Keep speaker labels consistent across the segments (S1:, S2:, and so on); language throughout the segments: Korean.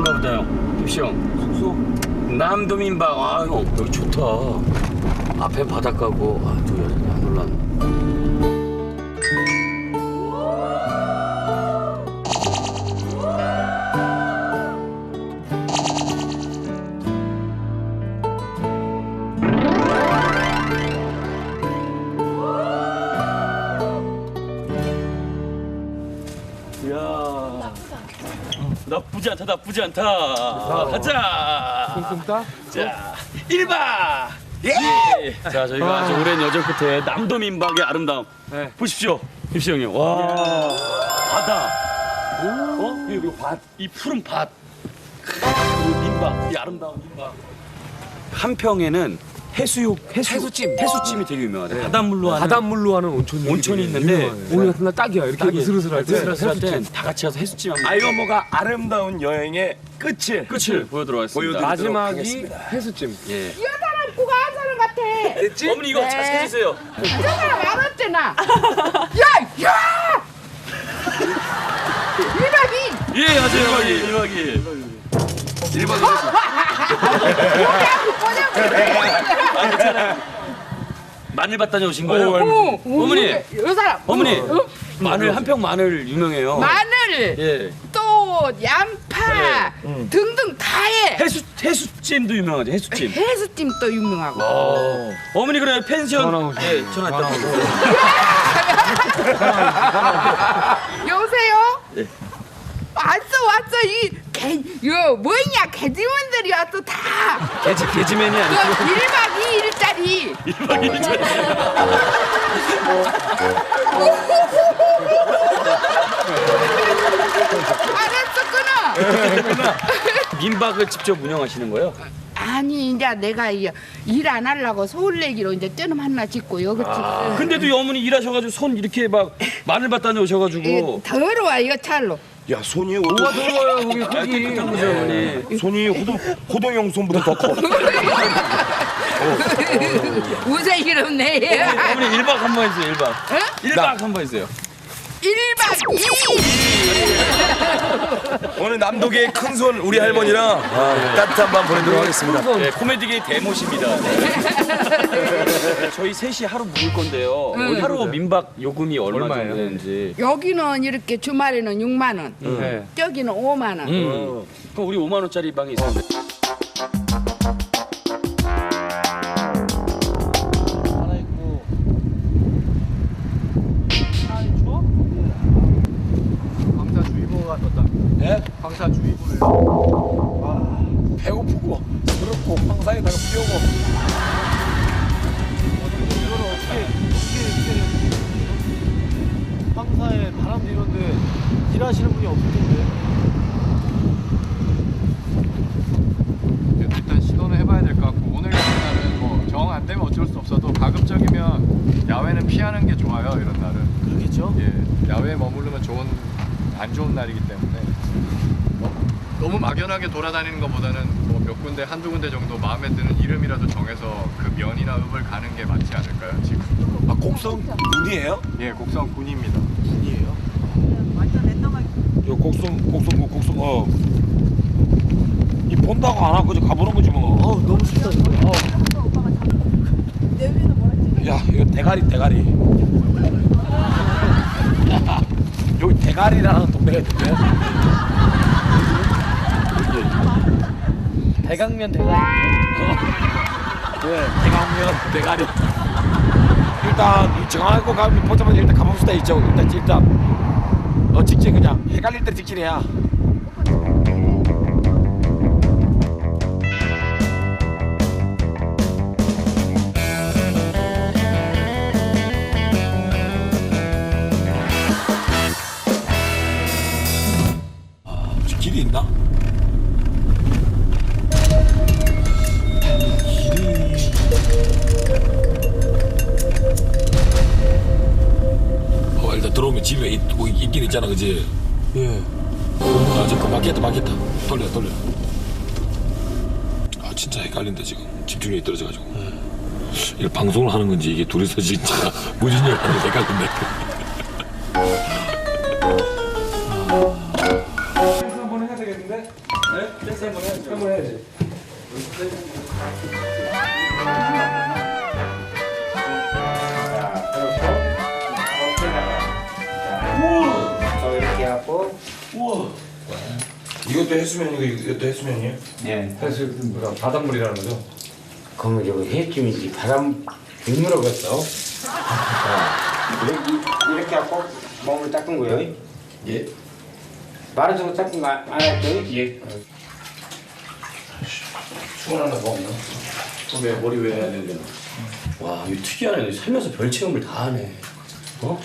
S1: 숙소인가 보다 형. 김씨 형. 숙소? 남도민박. 아 형 여기 좋다. 앞에 바닷가고. 아 또 안 올랐네. 나쁘지 않다, 나쁘지 않다. 가자.
S2: 뚱뚱따?
S1: 자, 1박. 예. 자, 저희가 아주 오랜 여정 끝에 남도민박의 아름다움.
S2: 네.
S1: 보십시오, 김씨 형님. 와, 바다. 여기 밭, 이 푸른 밭. 이 민박, 이 아름다운 민박. 한평에는 해수찜이 되게 유명하대. 바닷물로 하는
S2: 바닷물로 하는 온천이
S1: 있는데
S2: 오늘 같은 날 딱이야. 이렇게
S1: 딱이에요.
S2: 으슬으슬할 때.
S1: 으슬으슬할 땐다 같이 가서 해수찜 한번.
S3: 아이오모가 아름다운 여행의 끝을
S1: 보여드리도록 하겠습니다.
S2: 마지막이 해수찜.
S1: 예.
S4: 이 사람 누가 한 사람 같아.
S1: 어머니 이거 잘 찾으세요.
S4: 저 사람 알았잖아. 야! 이박이.
S1: 예, 아주 1박이. 마늘 받다 오신 거예요? 어머니.
S4: 이 사람.
S1: 어머니. 마늘 한평 마늘 유명해요.
S4: 마늘.
S1: 예.
S4: 또 양파 등등 다 해.
S1: 해수찜도 유명하죠. 해수찜.
S4: 해수찜 또 유명하고.
S1: 어머니 그래 펜션.
S2: 전화 오시죠.
S1: 예, 전화 있다.
S4: 여보세요?
S1: 예.
S4: 왔어 이거 뭐냐 개지문들이 왔어 다.
S1: 개지맨이
S4: 그
S1: 아니고
S4: 1박 2일짜리.
S1: 1박 2일짜리.
S4: 알았어 끊어.
S1: 민박을 직접 운영하시는 거예요?
S4: 아니 이제 내가 일 안 하려고 서울 내기로 이제 떼놈 하나 짓고 여기
S1: 근데도 이 어머니 일하셔가지고 손 이렇게 막 마늘 받다 오셔가지고.
S4: 더러워 이거 찰로.
S3: 야 손이
S2: 뭐가 더러워요 거기 흙이.
S1: 어머니.
S3: 손이 호동형 손보다 더 커.
S4: 우세기롭네.
S1: 어머니 1박 한번 해주세요. 1박. 1박 한번 해주세요.
S4: 1박 2일.
S3: 오늘 남도계의 큰 손 우리 할머니랑 따뜻한 밤 보내도록 하겠습니다.
S1: 네, 코미디계의 대모십니다. 저희 셋이 하루 묵을 건데요. 하루 민박 요금이 얼마 정도
S2: 얼마예요?
S1: 되는지.
S4: 여기는 이렇게 주말에는 6만 원.
S2: 네.
S4: 저기는 5만 원.
S1: 그럼 우리 5만 원짜리 방이 있었는데.
S2: 방사주의보가 떴다.
S3: 예?
S2: 방사주의보를.
S3: 배고프고 더럽고 황사에다가 피우고.
S2: 이거는 어떻게 황사에 바람도 이런데 일하시는 분이 없을 텐데. 일단 시도는 해봐야 될 것 같고 오늘 같은 날은 뭐 정 안 되면 어쩔 수 없어도 가급적이면 야외는 피하는 게 좋아요. 이런 날은. 그렇겠죠? 예, 야외에 머무르면 안 좋은 날이기 때문에 너무 막연하게 돌아다니는 것보다는 뭐 몇 군데 한두 군데 정도 마음에 드는 이름이라도 정해서 그 면이나 읍을 가는 게 맞지 않을까요? 지금.
S3: 아 곡성 군이에요?
S2: 예, 곡성 군입니다. 군이에요?
S3: 요 곡성 이 본다고 안 하고 그저 가보는 거지 뭐.
S2: 너무 쉽다.
S3: 야 이거 대가리. 여기 대가리라는 동네가 있는데.
S2: 대강면
S3: 네, 대강면 대가리. 일단 정하고 가면 보자마자 일단 가봅시다. 이쪽 일단 직진 그냥 헷갈릴 때 직진해야. 혹시 길이 있나? 일단 들어오면 집에 있긴 있잖아, 그지? 예. 저 막혔다. 돌려. 아, 진짜 헷갈린다, 지금. 집중력이 떨어져가지고. 이거 방송을 하는 건지, 이게 둘이서 진짜 무진력 하는 게 헷갈린다. 한번 해야 되겠는데? 네? 한번 해야지.
S5: 이렇게 하고
S1: 우와.
S3: 이것도 해수면이고 이것도 해수면이에요?
S5: 네.
S3: 해수 뭐야 바닷물이라는 거죠?
S5: 그러면 저거 해쯤인지 바람 빗물어겠어. 이렇게 하고 몸을 닦은 거요.
S3: 예.
S5: 마라주고 닦은 거 안 했죠?
S3: 예. 수건하나 더 없나?
S1: 왜 머리 왜 해야 되는 와, 이거 특이하네. 살면서 별 체험을 다 하네. 어?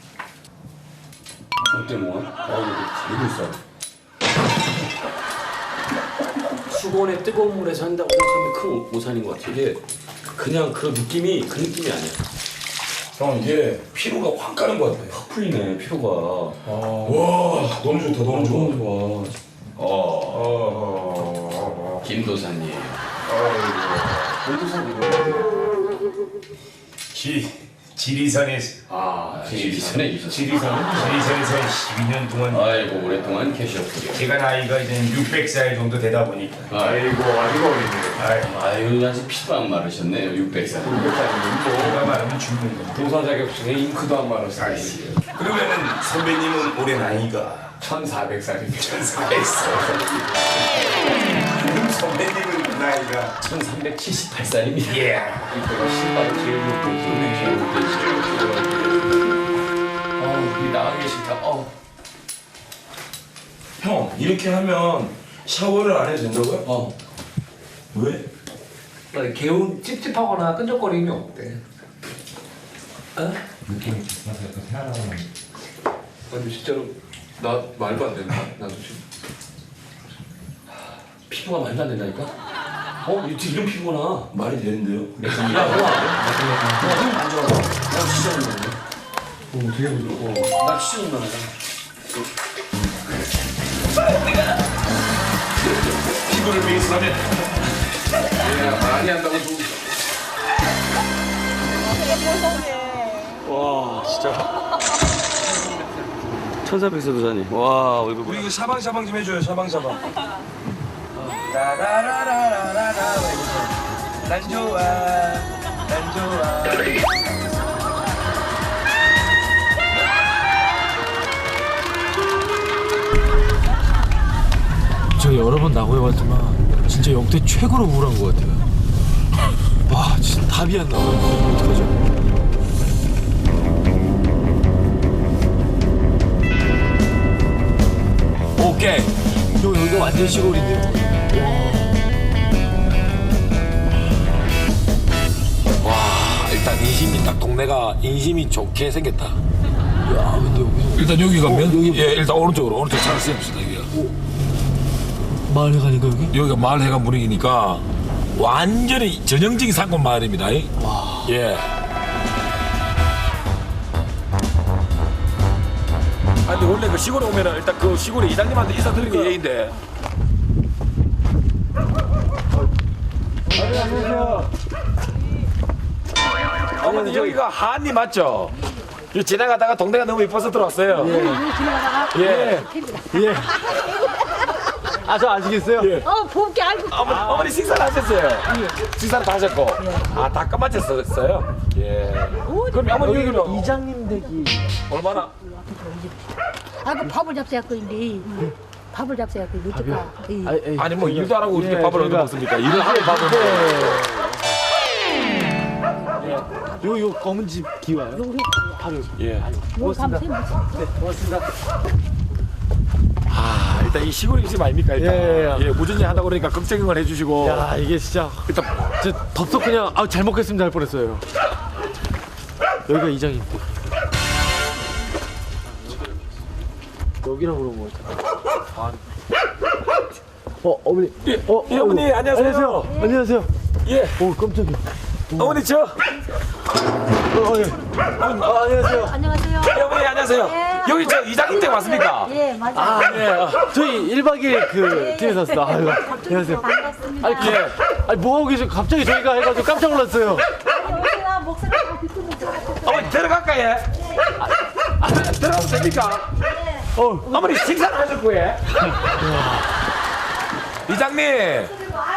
S1: 어때 뭐? 이거 있어. 수건에 뜨거운 물에서 한다고 생각하면 큰 오산인 것 같아. 이게 그냥 그 느낌이 아니야.
S3: 형 이게 피로가 확 가는 것 같아.
S1: 확 풀리네 피로가.
S3: 와 너무 좋다 너무 좋아.
S1: 너무 좋아. 김도사님.
S6: 지리산에서
S1: 지리산에 있었어.
S6: 지리산에서 12년 동안
S1: 아이고 오랫동안 계셨군요.
S6: 제가 나이가 이제 600살 정도 되다 보니까
S1: 아이고
S6: 아주 어리네요.
S1: 아유 아직 피도 안 마르셨네요 600살.
S6: 제가 말하면 죽는 거.
S3: 도사 자격증에 잉크도 안 말았어요.
S6: 그러면은 선배님은 올해 나이가
S3: 1400살입니다.
S6: 1400살. 선배님은 나이가
S1: 1378살입니다.
S6: 예.
S1: 신발을 제일 높고 제일 높고 이 나가기 싫다.
S3: 형 이렇게 하면 샤워를 안 해도 된다고요? 왜?
S7: 개운 찝찝하거나 끈적거림이 없대.
S2: 아니 진짜로 나 말도 안 된다. 나도 지금.
S1: 피부가 말도 안 된다니까? 어떻게 이런 피부구나.
S3: 말이 되는데요?
S1: 야, 안 좋아. 나 진짜 못나네.
S3: 되게 부드러워.
S1: 나 진짜 못나네.
S6: 피부를 위해서라면
S2: 많이 한다고 좀.
S1: 와, 진짜. 천사백세도사님. 와, 얼굴
S3: 우리 이거 샤방샤방 좀 해줘요 샤방샤방. 라라라라라라라 난 좋아 난 좋아.
S7: 저 여러 번 나고해봤지만 진짜 역대 최고로 우울한 것 같아요. 와 진짜 답이 안 나와요. 어떡하죠? 오케이. 형 여기가 완전 시골인데요. 와 일단 인심이 딱 동네가 인심이 좋게 생겼다. 야 근데 여기서
S3: 일단 여기 가면
S7: 여기
S3: 예 일단 오른쪽 차를 쓰입시다 여기가.
S7: 마을에 가니까 여기?
S3: 여기가 마을 해관 분위기니까 완전히 전형적인 상권 마을입니다.
S7: 와.
S3: 예. 아 근데 원래 그 시골에 오면은 일단 그 시골에 이장님한테 인사드리는 게 예인데. 안녕하세요. 어머니 여기가 한리 맞죠? 여기 지나가다가 동네가 너무 이뻐서 들어왔어요. 예. 예.
S7: 아 저 아시겠어요?
S3: 예.
S8: 봄게 알고
S3: 어머니 식사를 하셨어요? 식사를 다 하셨고. 아, 다 끝마쳤어요? 예. 그럼 어머니 여기는
S7: 이장님 댁이
S3: 얼마나?
S8: 그 밥을 잡숴갖고 있는데 밥을 잡숴갖고 못할까
S3: 아니 뭐 일도 안 하고 이렇게 밥을 얻어 먹습니까? 일을 하고 밥을 먹어요.
S7: 요 검은 집 기와요? 바로
S3: 예.
S8: 고맙습니다.
S3: 아, 일단 이 시골 음식 아닙니까? 일단. 예, 무전히 하다 그러니까 걱정을 해주시고.
S7: 야 이게 진짜
S3: 일단
S7: 저 덥석 그냥 잘 먹겠습니다 할 뻔했어요. 여기가 이장님 댁. 여기라고 그런 거 같아. 어머니.
S3: 예, 예, 어머니 안녕하세요.
S7: 안녕하세요.
S3: 예,
S7: 오 깜짝이야.
S3: 어머니 저.
S7: 예. 안녕하세요.
S8: 안녕하세요.
S3: 예, 어머니 안녕하세요.
S8: 예.
S3: 여기 저 이장님 댁 왔습니까?
S8: 예, 맞아요.
S7: 아 네. 저희 1박 2일 그 팀에 샀습니다. 아유 안녕하세요.
S8: 반갑습니다.
S7: 아니
S3: 예.
S7: 아니 뭐 하고 계세요? 갑자기 저희가 해가지고 깜짝 놀랐어요.
S8: 아니, 오세요. 목소리가 다 듣고 있어요.
S3: 어머니 들어갈까 예? 들어가도 됩니까? 어머니 식사를 하셨고 예? 이장님.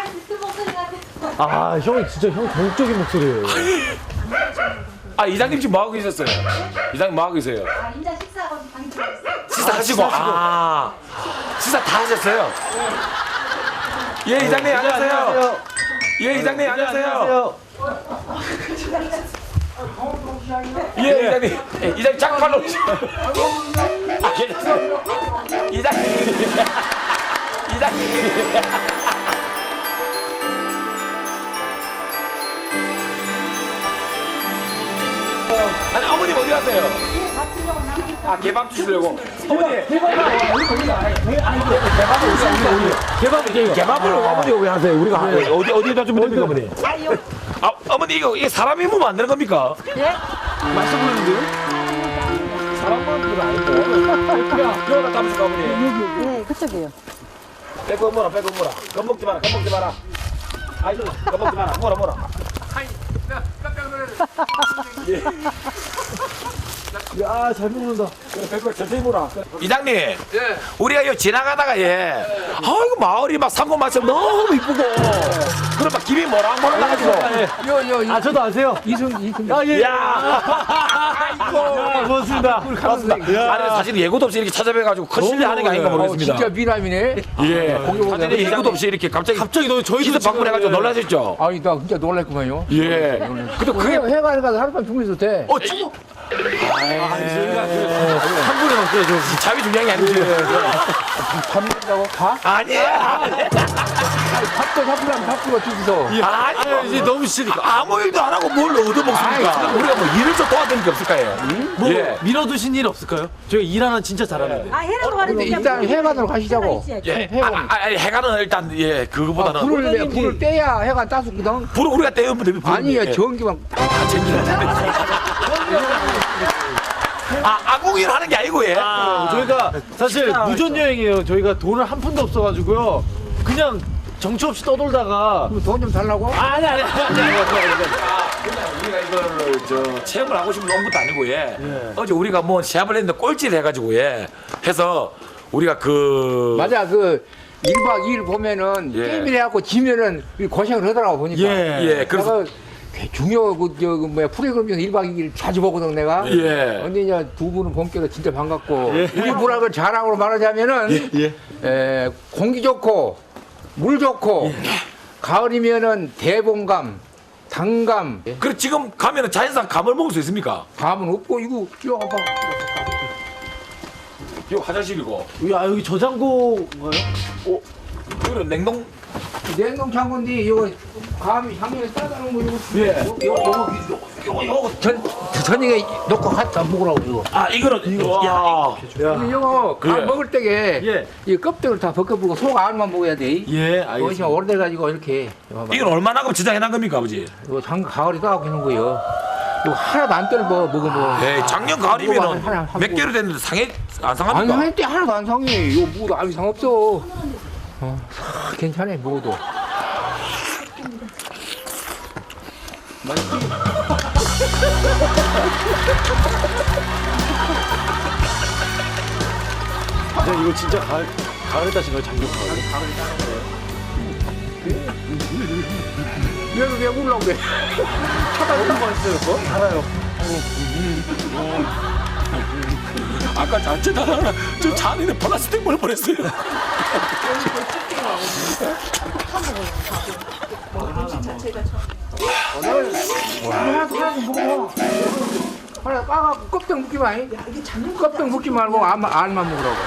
S7: 아, 형이 진짜 형 정적인 목소리예요.
S3: 아, 이장님 지금 뭐 하고 계셨어요? 이장님 뭐 하고 계세요?
S8: 인자 식사하고 방이 들어있어.
S3: 식사하시고. 아, 식사 다 하셨어요? 예, 이장님 안녕하세요. 예, 이장님 안녕하세요. 예, 이장님. 이장님 장발로. 아, 괜찮아요. 이장님. 이장님. 아니, 어머님 어디 가세요? 아, 개밥 주시려고. 어머니. 개밥을 어머니가 왜 하세요? 우리가 어디에다 주면 됩니까, 어머니? 아, 어머니 이거 사람이 몸 안 되는 겁니까?
S8: 예?
S3: 말씀 부르는데요? 사람 몸은 건 아니고. 그러다 담으실까, 어머니?
S8: 네, 그쪽이에요.
S3: 빼고 뭐라, 빼고 뭐라. 겁먹지 마라, 겁먹지 마라. 아이고, 겁먹지 마라. 뭐라.
S7: 야, 잘 먹는다.
S3: 빼고 천천히 뭐라. 이장님, 우리가 요 지나가다가 아이고 마을이 막 상고 맛이 너무 이쁘고, 그럼 막 김이 모락모락 나가지고.
S7: 아, 저도 아세요? 아, 예.
S3: 야,
S7: 고맙습니다.
S3: 아니 사실 예고도 없이 이렇게 찾아뵈가지고 큰 실례하는 게 아닌가 모르겠습니다.
S2: 진짜 미남이네.
S3: 예. 사실 예고도 없이 이렇게 갑자기
S7: 너무 저희도
S3: 기습 방문해가지고 놀라셨죠?
S2: 아니 나 진짜 놀랐구만요.
S3: 예. 근데 그게
S2: 해가 하룻밤 주무셔도 돼.
S3: 저희가 한 분에 없어요. 저 자비 중요한 게 아니지.
S2: 잡는다고 가?
S3: 아니야.
S2: 밥도 잡으려면 밥도 주기서.
S3: 아니요.
S7: 이제 너무 싫으니까.
S3: 아무 일도 안 하고 뭘 얻어먹습니까? 우리가 뭐 일을 좀 도와드릴 게 없을까요?
S7: 뭐,
S3: 예.
S7: 밀어두신 일 없을까요? 저희가 일 하나 진짜 잘하는데.
S8: 아, 해라도 가는데
S2: 일단 해관으로 가시자고.
S3: 예. 아니 해가는 일단 그거보다는
S2: 불을 떼야 해가 따숩거든.
S3: 불을 우리가 떼우면 되면
S2: 아니야 전기만.
S3: 아궁이를 하는 게 아니고
S7: 저희가 사실 무전 여행이에요. 저희가 돈을 한 푼도 없어가지고요. 그냥 정처 없이 떠돌다가.
S2: 돈 좀 달라고?
S7: 아니.
S3: 그냥 우리가 이거를 체험을 하고 싶은 온 것도 아니고 어제 우리가 뭐 시합을 했는데 꼴찌를 해가지고 해서 우리가
S2: 맞아 1박 2일 보면은 게임을 해갖고 지면은 고생을 하더라고 보니까.
S3: 그래서
S2: 내가 중요 프로그램 중에 1박 2일 자주 보거든 내가. 근데 이제 두 분은 본격으로 진짜 반갑고 우리 문학을 자랑으로 말하자면은 공기 좋고 물 좋고 가을이면은 대봉감, 당감.
S3: 그래 지금 가면은 자연산 감을 먹을 수 있습니까?
S2: 감은 없고 이거 봐봐.
S3: 이거 화장실이고.
S7: 야, 여기 저장고인가요?
S3: 이거는 냉동.
S2: 냉동창고인데 이거 감이 향연에 싸다 놓은 거 이거 저녁에 놓고 갖다 먹으라고 이거.
S3: 아 이거는 이거.
S2: 이거 감 먹을 때게 이 껍데기를 다 벗겨버리고 속 안만 먹어야 돼.
S7: 알겠습니다.
S2: 오래돼가지고 이렇게.
S3: 이건 얼마나 그럼 저장해놓은 겁니까 아버지?
S2: 이거 가을에 따갖고 있는 거예요. 이거 하나도 안 떨어 먹으면.
S3: 작년 가을이면 몇 개월 됐는데 안
S2: 안
S3: 상합니까?
S2: 상할 때 하나도 안 상해. 이거 먹어도 아무 이상 없어. 괜찮아 먹어도.
S7: 이거 진짜 가을에 따신 거예요? 작년 가을에?
S2: 왜 울라고 그래?
S7: 너무 맛있어요, 그거? 알아요.
S3: 아까 자체다가 저 잔인에 플라스틱 물 뻔했어요.
S2: 하나 까갖고 껍데기 묶지 마. 껍데기 묶지 말고 알만 먹으라고.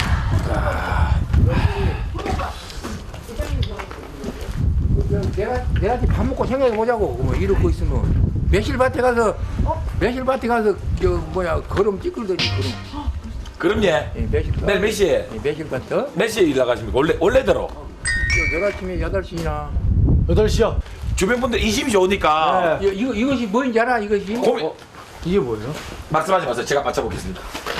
S2: 내가 지금 밥 먹고 생각해 보자고. 뭐 이러고 있으면 매실밭에 가서 걸음 찌끌더니 걸음.
S3: 그럼
S2: 매실밭.
S3: 내일 몇 시에?
S2: 매실밭.
S3: 몇 시에 일 나가십니까? 원래대로.
S2: 내일 아침에 8시나.
S7: 8시요?
S3: 주변 분들 인심이 좋으니까
S2: 이것이 뭔지 알아? 이것이?
S7: 이게 뭐예요?
S3: 말씀하지 마세요. 제가 맞춰보겠습니다.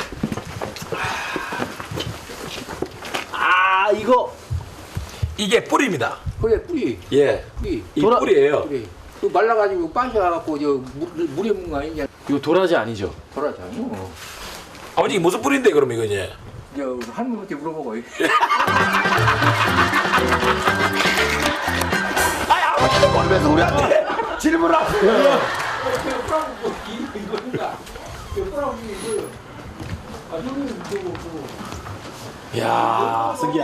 S3: 이게 뿌리입니다.
S2: 그래 뿌리. 뿌리.
S3: 이 뿌리예요.
S2: 뿌리. 그 말라가지고 빠셔갖고 물에 묻는 거 아니냐?
S7: 이거 도라지 아니죠?
S2: 돌아잖아.
S3: 아버지 무슨 뿌리인데 그럼 이거 이제?
S2: 할머니한테 물어보고.
S3: 아니 아버지도 모르면서 우리한테 질문을 하세요. 야, 승기야.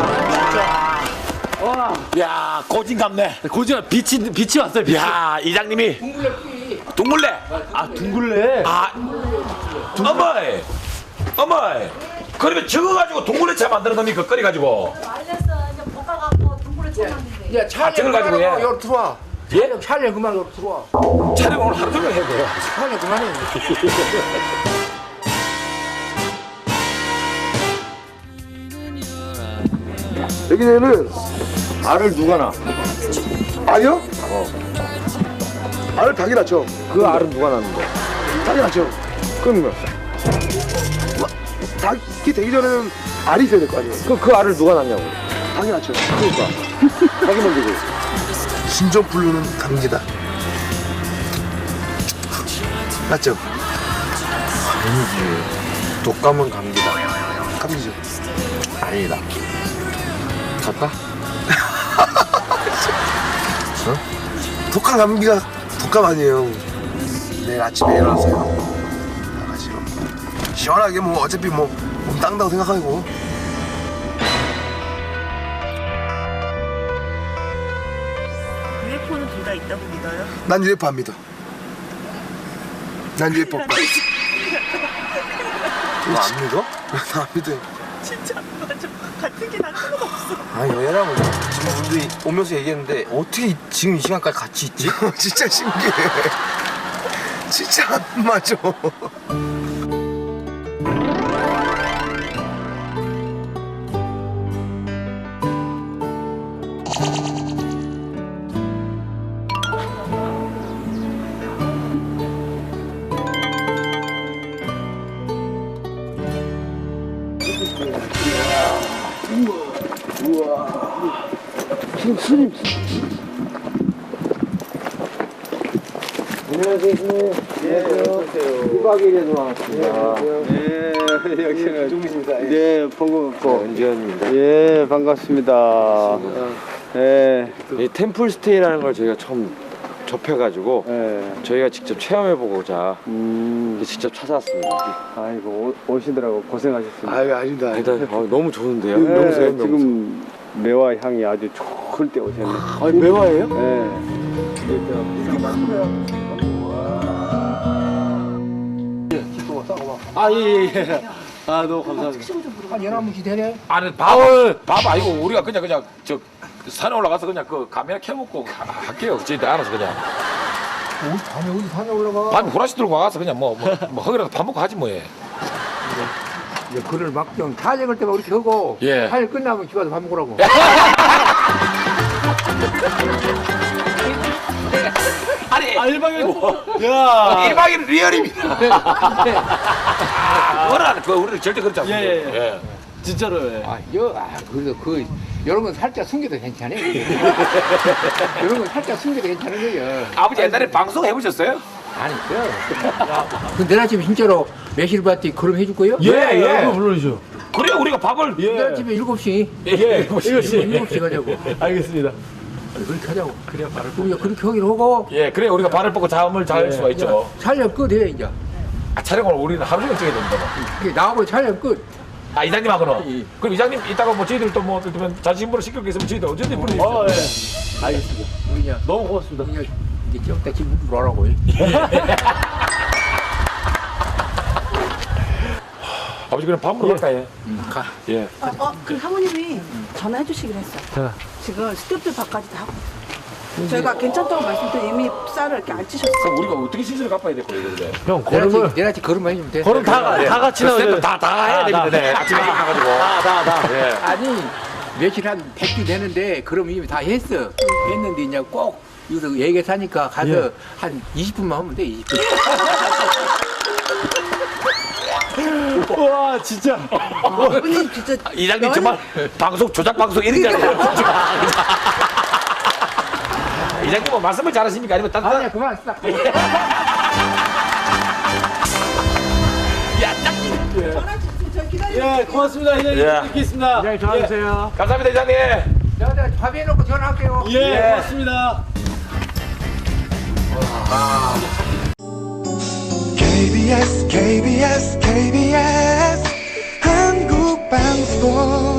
S3: 야, 고진감네.
S7: 고지가 빛이 왔어요. 빛이.
S3: 야, 이장님이 둥글레.
S7: 아 둥글레.
S3: 아, 어머이, 어머이. 그러면 적어가지고 둥글레차 만드는 겁니까? 끓여가지고.
S8: 말렸어. 이제 볶아갖고 동굴을 쳐놨는데.
S9: 야, 촬영
S3: 저걸 가지고 해.
S9: 여기 들어와.
S3: 예?
S9: 촬영 그만 여기 들어와.
S3: 촬영 오늘 하루 종일 해야 돼요.
S9: 촬영 그만해.
S10: 여기는 알을 누가 놔? 알이요? 알을 닭이 낳죠.
S9: 그 알은 누가 낳는데?
S10: 닭이 낳죠. 그럼 닭이 되기 전에는 알이 있어야 될 거 아니에요.
S9: 그 알을 누가 낳냐고.
S10: 닭이 낳죠. 그러니까 닭이 만들고 신종플루는 감기다. 맞죠?
S9: 아니지. 독감은 감기다.
S10: 감기죠.
S9: 아니다. 갈까?
S10: 독감 감기가 독감 아니에요. 내일 아침에 일어나서요. 나가지고 시원하게 뭐 어차피 뭐 몸 땅다고 생각하고.
S11: UFO는 둘 다 있다고 믿어요?
S10: 난 UFO 안 믿어. 난 UFO 오빠.
S9: 너 안 믿어?
S10: 나안 믿어.
S11: 진짜 맞아. 같은 게 난 하나도 없어.
S9: 아니 얘랑 지금 우리 오면서 얘기했는데 어떻게 지금 이 시간까지 같이 있지?
S10: 진짜 신기해. 진짜 안 맞아.
S5: 네, 반갑고.
S9: 은지현입니다.
S5: 예, 반갑습니다. 예,
S9: 이 템플스테이라는 걸 저희가 처음 접해가지고
S5: 예.
S9: 저희가 직접 체험해보고자 직접 찾아왔습니다.
S5: 아이고, 오시더라고 고생하셨습니다.
S10: 아유, 아닙니다.
S9: 일단 너무 좋은데요?
S5: 예,
S9: 명소예요, 명소.
S5: 지금 매화 향이 아주 좋을 때 오셨네.
S9: 아니 매화예요?
S5: 예.
S7: 아 예. 아 너무 감사합니다.
S9: 한 11시 되네?
S3: 아니 밥 아니고 우리가 그냥 저 산에 올라가서 그냥 그 카메라 켜먹고 할게요. 저희들 알아서 그냥.
S9: 밤에 어디 산에 올라가?
S3: 밤에 후라시 들고 와서 그냥 뭐 허기라도 밥 먹고 하지 뭐 예.
S9: 이제 그를 막정 촬영할 때만 그렇게 하고
S3: 예.
S9: 촬영 끝나면 집에 가서 밥 먹으라고.
S3: 아니
S7: 1박 2일. 야.
S3: 1박 2일 리얼입니다. 그거는 그 우리는 절대 그렇지 않습니다.
S7: 예. 진짜로. 예.
S9: 그래도 이런 건 살짝 숨겨도 괜찮아요. 이런 건 살짝 숨겨도 괜찮은 거예요.
S3: 아버지 옛날에 방송 해보셨어요?
S9: 아니죠. 근데 내일 아침에 진짜로 매실 봤더니 그럼 해줄 거예요?
S7: 예. 물론이죠.
S3: 그래 우리가 밥을
S9: 내일 아침에 7시.
S7: 예.
S9: 7시 가자고.
S7: 알겠습니다.
S9: 그렇게 하자고. 그래 말을 우리가 그렇게 하기로 하고.
S3: 예 그래 우리가 발을 뻗고 잠을 잘 수가 있죠.
S9: 촬영 끝해 이제.
S3: 촬영을 우리는 하루 종일 찍어야 됩니다.
S9: 나와보니 촬영 끝.
S3: 아 이장님하고는 그럼 이장님 이따가 뭐 저희들도 뭐 예를 들면 자신부로 시킬 게 있으면 저희들 언제든지 불러주세요.
S7: 예. 알겠습니다.
S9: 우리 그냥
S7: 너무 고맙습니다.
S9: 그냥 이제 좀 이따 집 물어라고.
S3: 아버지 그럼 밥 먹으러 갈까요?
S9: 가.
S3: 예.
S11: 그 사모님이 전화해 주시기로 했어요. 지금 스태프들 밥까지 다 하고. 저희가 괜찮다고 말씀드려 이미 쌀을 이렇게 알치셨어요.
S3: 그럼 우리가 어떻게 신세를 갚아야 될 거예요, 그래?
S7: 형 걸음을
S9: 내일 아침 걸음만 해주면 돼.
S7: 걸음 다 같이 나오죠.
S3: 다 해야 됩니다. 네. 아침에 일어나가지고.
S7: 다.
S3: 예.
S9: 아니 며칠 한 100주 되는데 그럼 이미 다 했어. 했는데 이제 꼭 여기서 얘기하니까 가서 한 20분만 하면 돼. 20분.
S7: 와 진짜.
S11: 아버님 진짜
S3: 이장님 정말 방송 조작 방송 이런 게 아니에요. 이장님 뭐 말씀을 잘하십니까? 아니면 딴
S9: 아니야 그만 싹.
S3: 야, 딱.
S11: 전화 주세요. 저 기다리고
S7: 예 고맙습니다. 이장님
S3: 예.
S7: 뵙겠습니다.
S9: 네, 전화주세요.
S3: 감사합니다, 이장님.
S9: 내가 밥해놓고 전화할게요.
S1: 예, 고맙습니다.
S12: KBS KBS KBS 한국방송